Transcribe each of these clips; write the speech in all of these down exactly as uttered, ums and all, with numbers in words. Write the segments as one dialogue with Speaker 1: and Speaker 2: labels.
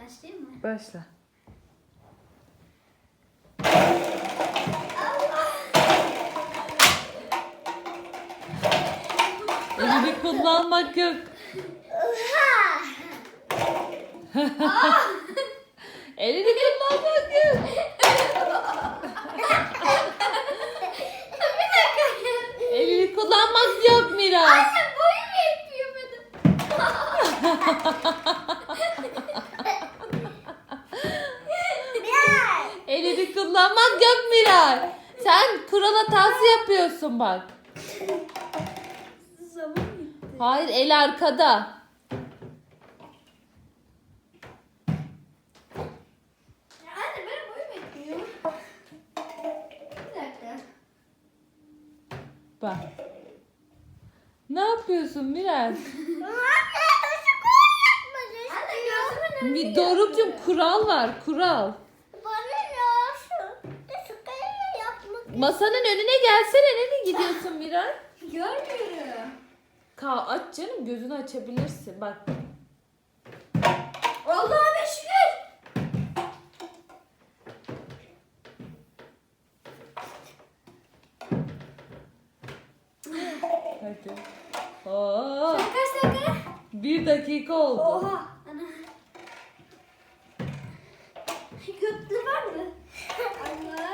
Speaker 1: Başlayayım mı?
Speaker 2: Başla. Elini kullanmak yok. Elini kullanmak yok. Elini kullanmak yok Mira.
Speaker 1: Anne boyum yetmiyor benim.
Speaker 2: Elini kullanmak yok Mira. Sen kural hatası yapıyorsun bak.
Speaker 1: Zaman bitti.
Speaker 2: Hayır, el arkada.
Speaker 1: Ya anne benim boyum yetmiyor. Bir dakika.
Speaker 2: Bak. Ne yapıyorsun Mira?
Speaker 1: Anne gözümün
Speaker 2: Bir Doruk'cum, kural var, kural. Masanın önüne gelsene, nereye gidiyorsun Mira?
Speaker 1: görmüyorum.
Speaker 2: Ka aç canım, gözünü açabilirsin bak.
Speaker 1: Allah'a şükür.
Speaker 2: Hadi. Oo,
Speaker 1: Sen kaç dakika?
Speaker 2: bir dakika oldu.
Speaker 1: Oha. Ana. Kötü var mı? Allah.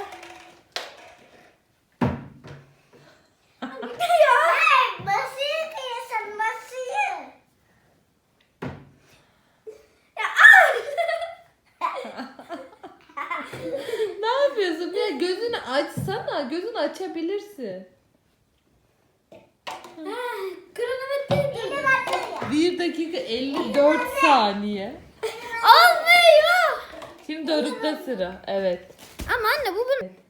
Speaker 2: Ne yapıyorsun Mira? Gözünü açsana, gözünü açabilirsin.
Speaker 1: Kronometre
Speaker 2: bir dakika elli dört saniye.
Speaker 1: olmuyor.
Speaker 2: Şimdi Doruk'ta sıra. Evet.
Speaker 1: Ama anne bu bunun.